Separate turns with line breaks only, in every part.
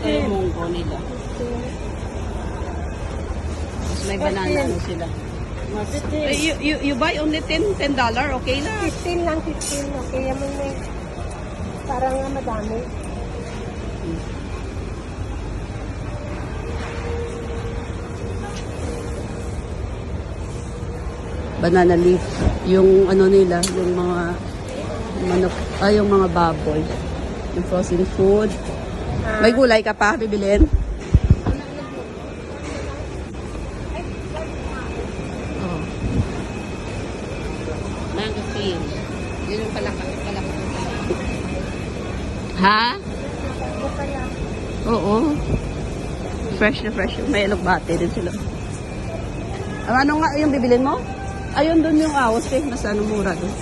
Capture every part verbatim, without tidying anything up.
Ito yung munggo nila. Tapos may banana ano sila. Eh, you, you, you buy only ten, ten dollar, okay na?
fifteen lang, fifteen. Okay, yaman na eh. Parang nga madami.
Banana leaf. Yung ano nila, yung mga manok, ah, yung mga baboy. Yung frozen food. May gulay ka pa, bibilin? Oh. Mango cream. Yun yung palaka. palaka. Ha? Oo. Fresh na fresh. May elogbate din sila. Ang ano nga yung bibilin mo? Ayun doon yung awas eh. Mas ano mura doon.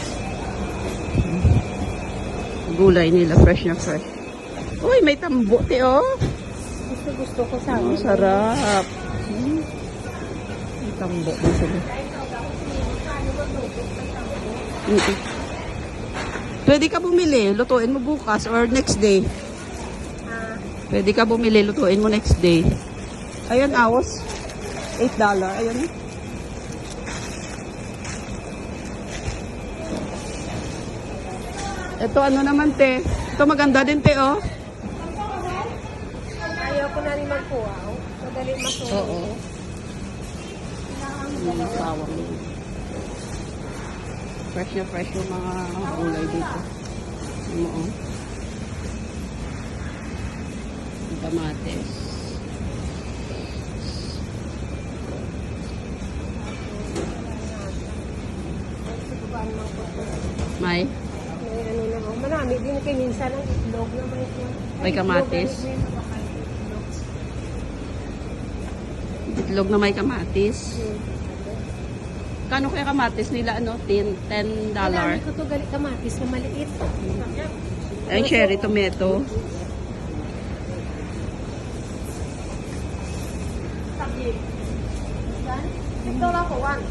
Gulay nila. Fresh na fresh. Uy, may tambote oh.
Gusto gusto ko sa
Oh,
amin.
sarap. Hmm. May tambote sila. Mm -mm. Pwede ka bumili. Lutuin mo bukas or next day.
Ah,
Pwede ka bumili. Lutuin mo next day. Ayan, awas. eight dollar. Ayan. Ito ano naman te. Ito maganda din te oh.
ayaw ko na rin magpuaw. Madali masuha.
Oo. Yung bawang yun. Fresh na fresh yung mga gulay dito. Ano oh. Yung kamates. May?
May ano na ako. Marami din kay minsan ang itlog na may
May kamatis. Itlog na may kamatis. Kano kaya kamatis nila ano? ten dollar.
Marami ko to galit kamatis na maliit.
Ay, cherry tomato.
Six dollar for one.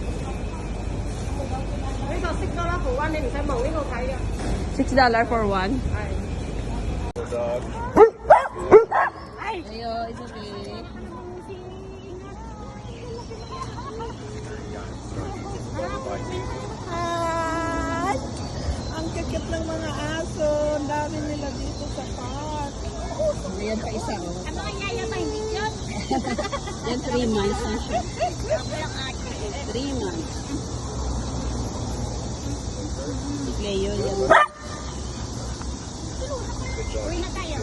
Cái đó six dollar for one nên mình phải mong cái đồ thấy à.
six dollar for one.
Ay.
Ayo, it's okay.
Ay, ang kikit ng mga aso. Ang dami nila dito sa park.
Ayan pa isa oh.
Ano kaya yung may yun?
Yan three months na siya. three months. Si Cleo yan.
Uwi na tayo.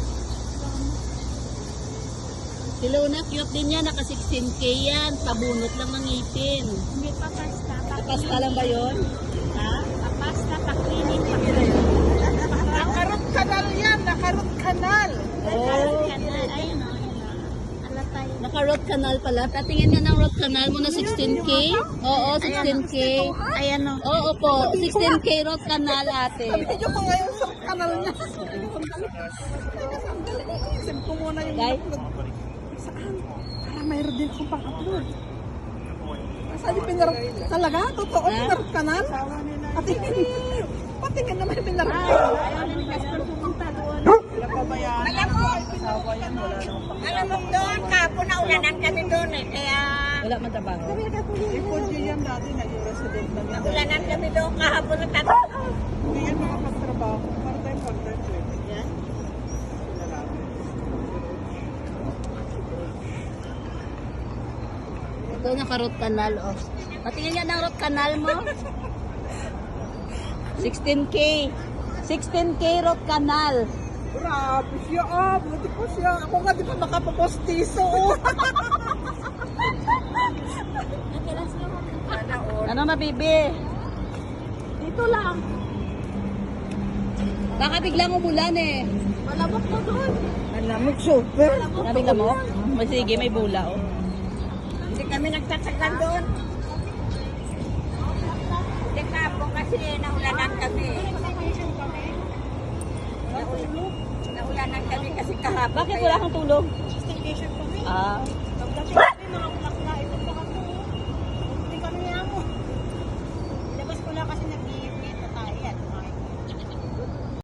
Si Luna, cute din yan. Naka sixteen K yan. Pabunot lang ng ngipin.
Hindi pa pasta.
Pasta lang ba yun? Ha?
Pasta, paklinin, paklinin.
Nakarot kanal yan. Nakarot kanal.
Oh.
Ayun o. Ala tayo.
Naka-root canal pala. Patingin nga ng root canal mo na sixteen K. Oo, sixteen K.
Ayan o.
Oo po, sixteen K root canal ate.
Medyo ko ngayon sa kanal niya. Isip ko muna yung
Guys?
upload. Saan? Para mayroon din akong pang-upload. Saan yung pinarap? Talaga? Totoo?
Ha?
Pinarap kanal? Patingin. Patingin naman yung pinarap kanal.
Ayaw na ni Casper pumunta doon.
Wala pa ba yan?
Alam mo, alam mo doon, kapon na ulanan kami doon eh. Kaya,
Wala man trabaho.
Ipod yun yan dati. Naging resident na yan.
ulanan kami doon kahapon na tato.
Hindi yan makapagtrabaho. Part-time, part-time. pwede.
Yan.
Lalaki.
Ito naka-root canal oh. Patingin nga ng root canal mo. sixteen K. sixteen K root canal.
Grabe siya, ah. Buti po siya. Ako nga di pa makapapostiso. Oh.
Ano mabibi?
Dito lang.
Baka biglang umulan eh.
Malabok mo doon.
Malamig super.
Nabigla mo? May sige, may bula oh.
Hindi kami nagtatsagan doon. Hindi kapon kasi naulanan kami. Naul- Naulanan kami kasi kahapon.
Bakit wala kang tulog?
Staycation kami.
Ah.
Pagdating